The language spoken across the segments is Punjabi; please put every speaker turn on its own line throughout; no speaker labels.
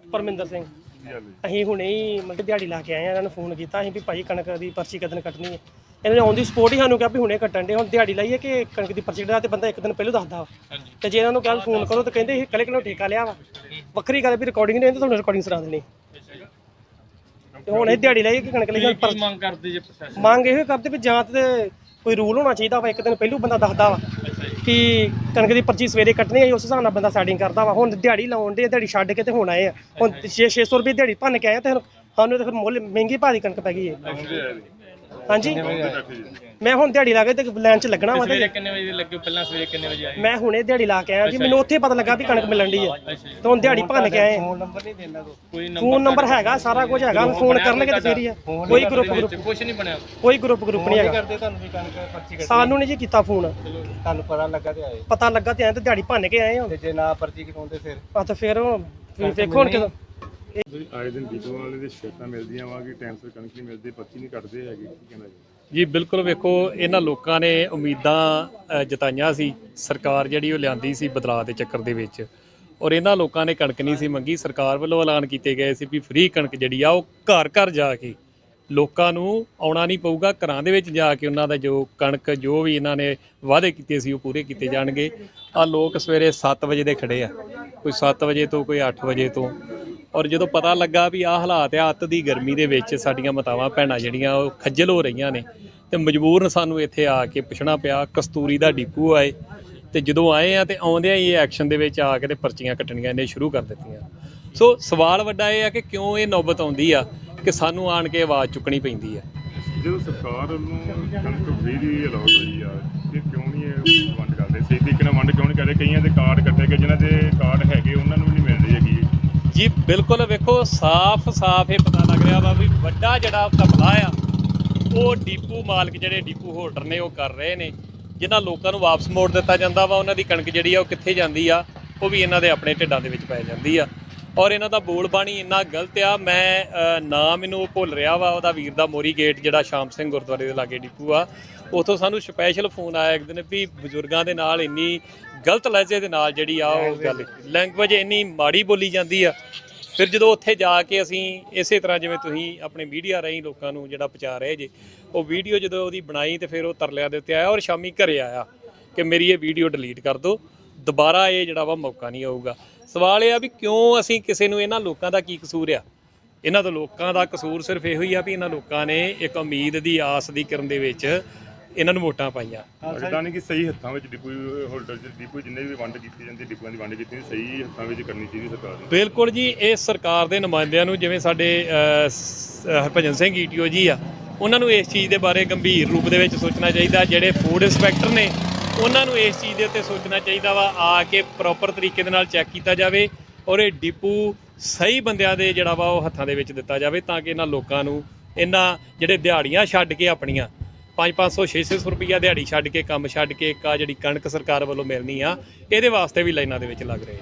ਪਰਮਿੰਦਰ ਸਿੰਘ। ਅਸੀਂ ਹੁਣੇ ਹੀ ਮਤਲਬ ਦਿਹਾੜੀ ਲਾ ਕੇ ਆਏ ਆ। ਇਹਨਾਂ ਨੂੰ ਫੋਨ ਕੀਤਾ ਅਸੀਂ ਵੀ ਭਾਈ ਕਣਕ ਦੀ ਪਰਚੀ ਕਦੋਂ ਕੱਟਣੀ ਹੈ। ਇਹਨਾਂ ਨੇ ਔਨ ਦੀ ਸਪੋਰਟ ਹੀ ਸਾਨੂੰ ਕਿਹਾ ਵੀ ਹੁਣੇ ਕੱਟਣ ਦੇ। ਹੁਣ ਦਿਹਾੜੀ ਲਾਈਏ ਕਿ ਕਣਕ ਦੀ ਪਰਚੀ ਕਟਾ ਤੇ ਬੰਦਾ ਇੱਕ ਦਿਨ ਪਹਿਲਾਂ ਦੱਸਦਾ ਵਾ। ਤੇ ਜੇ ਇਹਨਾਂ ਨੂੰ ਕੱਲ ਫੋਨ ਕਰੋ ਤਾਂ ਕਹਿੰਦੇ ਇਹ ਕੱਲੇ ਕਿਲੋ ਠੇਕਾ ਲਿਆ ਵਾ। ਵੱਖਰੀ ਗੱਲ ਵੀ ਰਿਕਾਰਡਿੰਗ ਨਹੀਂ ਤੁਹਾਨੂੰ ਰਿਕਾਰਡਿੰਗ ਸੁਣਾ ਦੇਣੀ। ਤੇ ਹੁਣ ਇਹ ਦਿਹਾੜੀ ਲਾਈਏ ਕਿ ਕਣਕ ਲਈ
ਮੰਗ ਕਰਦੇ ਜੇ ਪ੍ਰਸ਼ਾਸਨ?
ਮੰਗ ਇਹੋ ਕਰਦੇ ਵੀ ਜਾਂ ਤੇ ਕੋਈ ਰੂਲ ਹੋਣਾ ਚਾਹੀਦਾ ਵਾ। ਇੱਕ ਦਿਨ ਪਹਿਲਾਂ ਬੰਦਾ ਦੱਸਦਾ ਵਾ ਕਿ ਕਣਕ ਦੀ ਪਰਚੀ ਸਵੇਰੇ ਕੱਟਣੀ ਹੈ, ਉਸ ਹਿਸਾਬ ਨਾਲ ਬੰਦਾ ਸੈਟਿੰਗ ਕਰਦਾ ਵਾ। ਹੁਣ ਦਿਹਾੜੀ ਲਾਉਣ ਦੇ, ਦਿਹਾੜੀ ਛੱਡ ਕੇ ਤੇ ਹੁਣ ਆਏ ਆ। ਹੁਣ 600 ਰੁਪਏ ਦਿਹਾੜੀ ਭੰਨ ਕੇ ਆਏ ਤੇ ਸਾਨੂੰ ਤਾਂ ਫਿਰ ਮੁੱਲ ਮਹਿੰਗੀ ਭਾਅ ਦੀ ਕਣਕ ਪੈ ਗਈ ਹੈ। ਹਾਂਜੀ ਮੈਂ ਹੁਣ ਦਿਹਾੜੀ ਲਾ ਕੇ ਤੇ ਲਾਈਨ 'ਚ ਲੱਗਣਾ ਵਾ।
ਸਵੇਰੇ ਕਿੰਨੇ ਵਜੇ ਲੱਗੇ? ਪਹਿਲਾਂ ਸਵੇਰੇ ਕਿੰਨੇ ਵਜੇ ਆਏ?
ਮੈਂ ਹੁਣੇ ਦਿਹਾੜੀ ਲਾ ਕੇ ਆਇਆ ਜੀ। ਮੈਨੂੰ ਉੱਥੇ ਪਤਾ ਲੱਗਾ ਵੀ ਕਣਕ ਮਿਲਣ ਦੀ ਹੈ ਤੇ ਹੁਣ ਦਿਹਾੜੀ ਭੰਨ ਕੇ ਆਏ।
ਫੋਨ ਨੰਬਰ ਨਹੀਂ ਦੇਣਾ? ਕੋਈ
ਫੋਨ ਨੰਬਰ ਹੈਗਾ, ਸਾਰਾ ਕੁਝ ਹੈਗਾ। ਫੋਨ ਕਰਨਗੇ ਤੇ ਫੇਰ ਹੀ ਆ। ਕੋਈ ਗਰੁੱਪ
ਕੁਝ ਨਹੀਂ ਬਣਿਆ?
ਕੋਈ ਗਰੁੱਪ ਨਹੀਂ ਹੈਗਾ।
ਕਰਦੇ ਤੁਹਾਨੂੰ ਵੀ ਕਣਕ ਪਰਚੀ ਕੱਟਣੀ?
ਸਾਨੂੰ ਨਹੀਂ ਜੀ ਕੀਤਾ ਫੋਨ।
ਤੁਹਾਨੂੰ ਪਤਾ ਲੱਗਾ ਤੇ ਆਏ?
ਪਤਾ ਲੱਗਾ ਤੇ ਆਏ ਤੇ ਦਿਹਾੜੀ ਭੰਨ ਕੇ ਆਏ ਹਾਂ।
ਤੇ ਜੇ ਨਾ ਪਰਚੀ ਕਟਾਉਂਦੇ ਫਿਰ?
ਆ ਤਾਂ ਫਿਰ ਵੇਖੋ ਹੁਣ ਕਿਦੋਂ
ਆਏ ਦਿਨ ਡੀਪੂ ਵਾਲੇ ਦੇ ਸ਼ਿਕਾਇਤਾਂ ਮਿਲਦੀਆਂ ਵਾ ਕਿ ਟਾਈਮ ਸਿਰ ਕਣਕ ਨਹੀਂ ਮਿਲਦੀ, ਪਰਚੀ ਨਹੀਂ ਕੱਟਦੇ ਹੈਗੇ, ਕੀ ਕਹਿਣਾ ਜੀ?
ਬਿਲਕੁਲ। ਵੇਖੋ ਇਹਨਾਂ ਲੋਕਾਂ ਨੇ ਉਮੀਦਾਂ ਜਤਾਈਆਂ ਸੀ, ਸਰਕਾਰ ਜਿਹੜੀ ਉਹ ਲਿਆਂਦੀ ਸੀ ਬਦਲਾਅ ਦੇ ਚੱਕਰ ਦੇ ਵਿੱਚ, ਔਰ ਇਹਨਾਂ ਲੋਕਾਂ ਨੇ ਕਣਕ ਨਹੀਂ ਸੀ ਮੰਗੀ। ਸਰਕਾਰ ਵੱਲੋਂ ਐਲਾਨ ਕੀਤੇ ਗਏ ਸੀ ਵੀ ਫ੍ਰੀ ਕਣਕ ਜਿਹੜੀ ਆ ਉਹ ਘਰ ਘਰ ਜਾ ਕੇ ਲੋਕਾਂ ਨੂੰ ਆਉਣਾ ਨਹੀਂ ਪਊਗਾ, ਘਰਾਂ ਦੇ ਵਿੱਚ ਜਾ ਕੇ ਉਹਨਾਂ ਦਾ ਜੋ ਕਣਕ ਜੋ ਵੀ ਇਹਨਾਂ ਨੇ ਵਾਅਦੇ ਕੀਤੇ ਸੀ ਉਹ ਪੂਰੇ ਕੀਤੇ ਜਾਣਗੇ। ਆ ਲੋਕ ਸਵੇਰੇ 7 ਵਜੇ ਦੇ ਖੜੇ ਆ, ਕੋਈ 7 ਵਜੇ ਤੋਂ, ਕੋਈ 8 ਵਜੇ ਤੋਂ। ਔਰ ਜਦੋਂ ਪਤਾ ਲੱਗਾ ਵੀ ਆਹ ਹਾਲਾਤ ਆ, ਅੱਤ ਦੀ ਗਰਮੀ ਦੇ ਵਿੱਚ ਸਾਡੀਆਂ ਮਾਤਾਵਾਂ ਭੈਣਾਂ ਜਿਹੜੀਆਂ ਉਹ ਖੱਜਲ ਹੋ ਰਹੀਆਂ ਨੇ ਤੇ ਮਜਬੂਰਨ ਸਾਨੂੰ ਇੱਥੇ ਆ ਕੇ ਪੁੱਛਣਾ ਪਿਆ। ਕਸਤੂਰੀ ਦਾ ਡੀਪੂ ਆਏ ਤੇ ਜਦੋਂ ਆਏ ਆ ਤੇ ਆਉਂਦਿਆਂ ਹੀ ਇਹ ਐਕਸ਼ਨ ਦੇ ਵਿੱਚ ਆ ਕੇ ਤੇ ਪਰਚੀਆਂ ਕੱਟਣੀਆਂ ਇਹਨੇ ਸ਼ੁਰੂ ਕਰ ਦਿੱਤੀਆਂ। ਸੋ ਸਵਾਲ ਵੱਡਾ ਇਹ ਆ ਕਿ ਕਿਉਂ ਇਹ ਨੌਬਤ ਆਉਂਦੀ ਆ ਕਿ ਸਾਨੂੰ ਆਣ ਕੇ ਆਵਾਜ਼ ਚੁੱਕਣੀ ਪੈਂਦੀ ਆ।
ਜਦੋਂ ਸਰਕਾਰ ਨੂੰ ਕਣਕ ਫ੍ਰੀ ਦੀ ਅਲਾਟ ਹੋਈ ਆ ਕਿ ਕਿਉਂ ਨਹੀਂ ਇਹ ਵੰਡ ਕਰਦੇ? ਸਹੀ ਤਰੀਕੇ ਨਾਲ ਵੰਡ ਕਿਉਂ ਨਹੀਂ ਕਰਦੇ? ਕਈਆਂ ਦੇ ਕਾਰਡ ਕੱਟੇ ਗਏ, ਜਿਨ੍ਹਾਂ ਦੇ ਕਾਰਡ ਹੈਗੇ ਉਹਨਾਂ ਨੂੰ ਵੀ ਨਹੀਂ ਮਿਲ ਰਹੀ ਹੈਗੀ
ਜੀ। ਬਿਲਕੁਲ। ਵੇਖੋ ਸਾਫ਼ ਇਹ ਪਤਾ ਲੱਗ ਰਿਹਾ ਵਾ ਵੀ ਵੱਡਾ ਜਿਹੜਾ ਘਪਲਾ ਆ ਉਹ ਡੀਪੂ ਮਾਲਕ ਜਿਹੜੇ ਡੀਪੂ ਹੋਲਡਰ ਨੇ ਉਹ ਕਰ ਰਹੇ ਨੇ। ਜਿਨ੍ਹਾਂ ਲੋਕਾਂ ਨੂੰ ਵਾਪਸ ਮੋੜ ਦਿੱਤਾ ਜਾਂਦਾ ਵਾ, ਉਹਨਾਂ ਦੀ ਕਣਕ ਜਿਹੜੀ ਆ ਉਹ ਕਿੱਥੇ ਜਾਂਦੀ ਆ? ਉਹ ਵੀ ਇਹਨਾਂ ਦੇ ਆਪਣੇ ਢਿੱਡਾਂ ਦੇ ਵਿੱਚ ਪੈ ਜਾਂਦੀ ਆ। ਔਰ ਇਹਨਾਂ ਦਾ ਬੋਲ ਬਾਣੀ ਇੰਨਾ ਗਲਤ ਆ। ਮੈਂ ਨਾਮ ਮੈਨੂੰ ਉਹ ਭੁੱਲ ਰਿਹਾ ਵਾ ਉਹਦਾ, ਵੀਰ ਦਾ ਮੋਰੀ ਗੇਟ ਜਿਹੜਾ ਸ਼ਾਮ ਸਿੰਘ ਗੁਰਦੁਆਰੇ ਦੇ ਲਾਗੇ ਡੀਪੂ ਆ, ਉੱਥੋਂ ਸਾਨੂੰ ਸਪੈਸ਼ਲ ਫੋਨ ਆਇਆ ਇੱਕ ਦਿਨ ਵੀ ਬਜ਼ੁਰਗਾਂ ਦੇ ਨਾਲ ਇੰਨੀ ਗਲਤ ਲਹਿਜੇ ਦੇ ਨਾਲ ਜਿਹੜੀ ਆ ਉਹ ਗੱਲ ਲੈਂਗੁਏਜ ਇੰਨੀ ਮਾੜੀ ਬੋਲੀ ਜਾਂਦੀ ਆ। ਫਿਰ ਜਦੋਂ ਉੱਥੇ ਜਾ ਕੇ ਅਸੀਂ ਇਸੇ ਤਰ੍ਹਾਂ ਜਿਵੇਂ ਤੁਸੀਂ ਆਪਣੇ ਮੀਡੀਆ ਰਾਹੀਂ ਲੋਕਾਂ ਨੂੰ ਜਿਹੜਾ ਪਹੁੰਚਾ ਰਹੇ ਜੇ, ਉਹ ਵੀਡੀਓ ਜਦੋਂ ਉਹਦੀ ਬਣਾਈ ਤੇ ਫਿਰ ਉਹ ਤਰਲਿਆਂ ਦੇ ਉੱਤੇ ਆਇਆ ਔਰ ਸ਼ਾਮੀ ਘਰੇ ਆਇਆ ਕਿ ਮੇਰੀ ਇਹ ਵੀਡੀਓ ਡਿਲੀਟ ਕਰ ਦਿਓ, ਦੁਬਾਰਾ ਇਹ ਜਿਹੜਾ ਵਾ ਮੌਕਾ ਨਹੀਂ ਆਊਗਾ। ਸਵਾਲ ਇਹ ਆ ਵੀ ਕਿਉਂ ਅਸੀਂ ਕਿਸੇ ਨੂੰ, ਇਹਨਾਂ ਲੋਕਾਂ ਦਾ ਕੀ ਕਸੂਰ ਆ? ਇਹਨਾਂ ਤੋਂ ਲੋਕਾਂ ਦਾ ਕਸੂਰ ਸਿਰਫ ਇਹੋ ਹੀ ਆ ਵੀ ਇਹਨਾਂ ਲੋਕਾਂ ਨੇ ਇੱਕ ਉਮੀਦ ਦੀ ਆਸ ਦੀ ਕਿਰਨ ਦੇ ਵਿੱਚ ਇਹਨਾਂ ਨੂੰ ਵੋਟਾਂ ਪਾਈਆਂ।
ਲੱਗਦਾ ਨਹੀਂ ਕਿ ਸਹੀ ਹੱਥਾਂ ਵਿੱਚ ਡੀਪੂ ਹੋਲਡਰ ਡੀਪੂ ਜਿੰਨੇ ਵੀ ਵੰਡ ਕੀਤੀ ਜਾਂਦੀ, ਡੀਪੂਆਂ ਦੀ ਵੰਡ ਕੀਤੀ ਸਹੀ ਹੱਥਾਂ ਵਿੱਚ ਕਰਨੀ ਚਾਹੀਦੀ ਸਰਕਾਰ ਨੂੰ।
ਬਿਲਕੁਲ ਜੀ। ਇਹ ਸਰਕਾਰ ਦੇ ਨੁਮਾਇੰਦਿਆਂ ਨੂੰ, ਜਿਵੇਂ ਸਾਡੇ ਹਰਭਜਨ ਸਿੰਘ ਈਟੀਓ ਜੀ ਆ, ਉਹਨਾਂ ਨੂੰ ਇਸ ਚੀਜ਼ ਦੇ ਬਾਰੇ ਗੰਭੀਰ ਰੂਪ ਦੇ ਵਿੱਚ ਸੋਚਣਾ ਚਾਹੀਦਾ। ਜਿਹੜੇ ਫੂਡ ਇੰਸਪੈਕਟਰ ਨੇ ਉਹਨਾਂ ਨੂੰ ਇਸ ਚੀਜ਼ ਦੇ ਉੱਤੇ ਸੋਚਣਾ ਚਾਹੀਦਾ ਵਾ, ਆ ਕੇ ਪ੍ਰੋਪਰ ਤਰੀਕੇ ਦੇ ਨਾਲ ਚੈੱਕ ਕੀਤਾ ਜਾਵੇ ਔਰ ਇਹ ਡੀਪੂ ਸਹੀ ਬੰਦਿਆਂ ਦੇ ਜਿਹੜਾ ਵਾ ਉਹ ਹੱਥਾਂ ਦੇ ਵਿੱਚ ਦਿੱਤਾ ਜਾਵੇ, ਤਾਂ ਕਿ ਇਹਨਾਂ ਲੋਕਾਂ ਨੂੰ, ਇਹਨਾਂ ਜਿਹੜੇ ਦਿਹਾੜੀਆਂ ਛੱਡ ਕੇ ਆਪਣੀਆਂ 500 600 ਰੁਪਈਆ ਦਿਹਾੜੀ ਛੱਡ ਕੇ, ਕੰਮ ਛੱਡ ਕੇ, ਇੱਕ ਆ ਜਿਹੜੀ ਕਣਕ ਸਰਕਾਰ ਵੱਲੋਂ ਮਿਲਣੀ ਆ, ਇਹਦੇ ਵਾਸਤੇ ਵੀ ਲਾਈਨਾਂ ਦੇ ਵਿੱਚ ਲੱਗ ਰਹੇ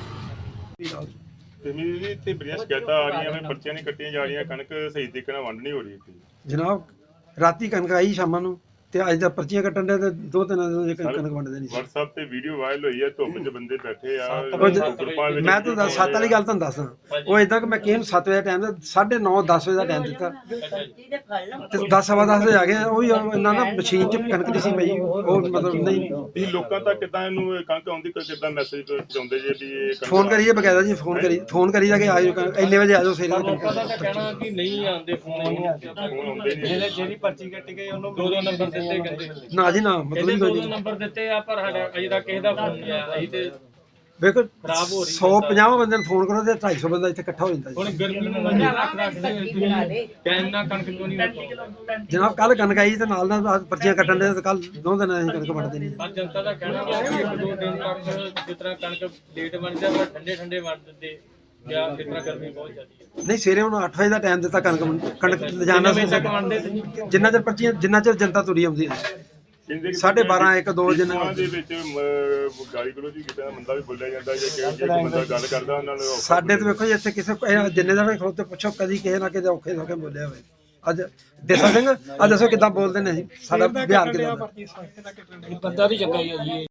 ਆ।
ਤੇ ਮੇਰੀ ਤੇ ਬੜੀਆਂ ਸ਼ਿਕਾਇਤਾਂ ਆ ਰਹੀਆਂ ਨੇ, ਪਰਚੀਆਂ ਨਹੀਂ ਕੱਟੀਆਂ ਜਾ ਰਹੀਆਂ, ਕਣਕ ਸਹੀ ਤਰੀਕੇ ਨਾਲ ਵੰਡ ਨਹੀਂ ਹੋ ਰਹੀ।
ਜਨਾਬ ਰਾਤੀ ਕਣਕ ਆਈ ਸ਼ਾਮਾਂ ਨੂੰ ਤੇ ਅੱਜ ਦਾ ਪਰਚੀਆਂ ਕੱਟਣ ਦੇ ਤੇ 2-3 ਦਿਨ ਕਣਕ ਵੰਡ ਦੇਣੀ।
WhatsApp ਤੇ ਵੀਡੀਓ ਵਾਇਰਲ ਹੋਈ ਹੈ, ਧੁੱਪ 'ਚ ਬੰਦੇ ਬੈਠੇ ਆ।
ਮੈਂ ਤਾਂ 7 ਵਾਲੀ ਗੱਲ ਤੁਹਾਨੂੰ ਦੱਸਦਾ, ਉਹ ਇਦਾਂ ਕਿ ਮੈਂ ਕਿਹਨੂੰ 7 ਵਜੇ ਟਾਈਮ 9:30 10 ਵਜੇ ਦਾ ਟਾਈਮ ਦਿੱਤਾ ਤੇ 10:15 ਵਜੇ ਆ ਗਏ। ਉਹ ਵੀ ਇਹਨਾਂ ਨਾ ਮਸ਼ੀਨ 'ਚ ਕਣਕ ਦੀ ਸੀ ਪਈ, ਉਹ ਮਤਲਬ ਨਹੀਂ।
ਇਹ ਲੋਕਾਂ ਤੱਕ ਕਿੱਦਾਂ ਇਹਨੂੰ ਕਣਕ ਆਉਂਦੀ, ਕਿੱਦਾਂ ਮੈਸੇਜ ਪਹੁੰਚਾਉਂਦੇ ਜੇ ਵੀ ਇਹ
ਫੋਨ ਕਰੀਏ ਬਕਾਇਦਾ ਜੀ, ਫੋਨ ਕਰੀ ਜਾ ਕੇ ਆ ਜਾਓ, ਇੰਨੇ ਵਜੇ ਆ ਜਾਓ ਸਵੇਰੇ।
ਲੋਕਾਂ ਦਾ ਤਾਂ ਕਹਿਣਾ ਕਿ ਨਹੀਂ ਆਉਂਦੇ, ਫੋਨ
ਆਉਂਦੇ ਨਹੀਂ।
ਜਿਹੜੀ ਪਰਚੀ ਕੱਟ ਗਈ ਉਹਨੂੰ 2 ਨੰਬਰ ਦਿੱਤੇ ਕਹਿੰਦੇ
ਨਾ ਜੀ ਨਾ, ਮਤਲਬ ਹੀ ਕੋਈ
2 ਨੰਬਰ ਦਿੱਤੇ ਆ, ਪਰ ਸਾਡਾ ਅਜੇ ਤੱਕ ਕਿਸੇ ਦਾ ਫੋਨ ਨਹੀਂ ਆਇਆ। ਅਸੀਂ ਤੇ
ਵੇਖੋ 150 ਬੰਦੇ ਨੂੰ ਫੋਨ ਕਰੋ ਤੇ 250 ਬੰਦਾ ਇੱਥੇ ਇਕੱਠਾ ਹੋ ਜਾਂਦਾ
ਹੁਣ ਗਰਮੀ ਨੂੰ ਮੰਨੇ ਰੱਖਦੇ ਟਾਈਮ ਨਾਲ ਕਣਕ ਕਿਉਂ ਨਹੀਂ ਵਰਤੋਂ?
ਜਨਾਬ। ਕੱਲ ਕਣਕ ਆਈ ਤੇ ਨਾਲ ਪਰਚੀਆਂ ਕੱਟਣ ਦੇ ਤੇ ਕੱਲ 2 ਦਿਨ ਅਸੀਂ ਕਣਕ ਵੰਡ ਦੇਣੀ।
ਪਰ ਜਨਤਾ ਦਾ ਕਹਿਣਾ ਹੈ ਕਿ 1-2 ਦਿਨ ਤੱਕ ਜਿਸ ਤਰ੍ਹਾਂ ਕਣਕ ਲੇਟ ਬਣ ਜਾਂਦਾ, ਠੰਡੇ ਵੰਡ ਦਿੰਦੇ ਜਾਂ ਇਸ ਤਰ੍ਹਾਂ ਗਰਮੀ ਬਹੁਤ ਜ਼ਿਆਦੀ ਹੈ।
ਨਹੀਂ, ਸਵੇਰੇ ਹੁਣ 8 ਵਜੇ ਦਾ ਟਾਈਮ ਦਿੱਤਾ ਕਣਕ ਲਿਜਾਣਾ ਸੀ, ਜਿੰਨਾ ਚਿਰ ਪਰਚੀਆਂ, ਜਿੰਨਾ ਚਿਰ ਜਨਤਾ ਤੁਰੀ ਆਉਂਦੀ ਹੈ। 12:30 1 2 ਦਿਨ
ਦੇ ਵਿੱਚ ਗਾਲੀ ਗਲੋਚ ਕੀਤਾ ਬੰਦਾ ਵੀ ਬੋਲਿਆ ਜਾਂਦਾ, ਜਾਂ ਕਿ ਬੰਦਾ ਗੱਲ ਕਰਦਾ ਉਹਨਾਂ ਨੂੰ।
ਸਾਡੇ ਤੇ ਵੇਖੋ ਜੀ ਇੱਥੇ ਕਿਸੇ ਜਿੰਨੇ ਦਾ ਵੀ ਖਲੋਤੇ ਪੁੱਛੋ, ਕਦੀ ਕਿਸੇ ਨਾ ਕਿਸੇ ਔਖੇ ਸੌਖੇ ਬੋਲਿਆ ਹੋਵੇ। ਅੱਜ ਦੇਸਾ ਸਿੰਘ, ਅੱਜ ਦੱਸੋ ਕਿੱਦਾਂ ਬੋਲਦੇ ਨੇ? ਸਾਡਾ ਬਿਹਾਰ ਕਿੱਦਾਂ ਦਾ?
ਬੰਦਾ ਵੀ ਚੰਗਾ ਹੀ ਹੈ ਜੀ।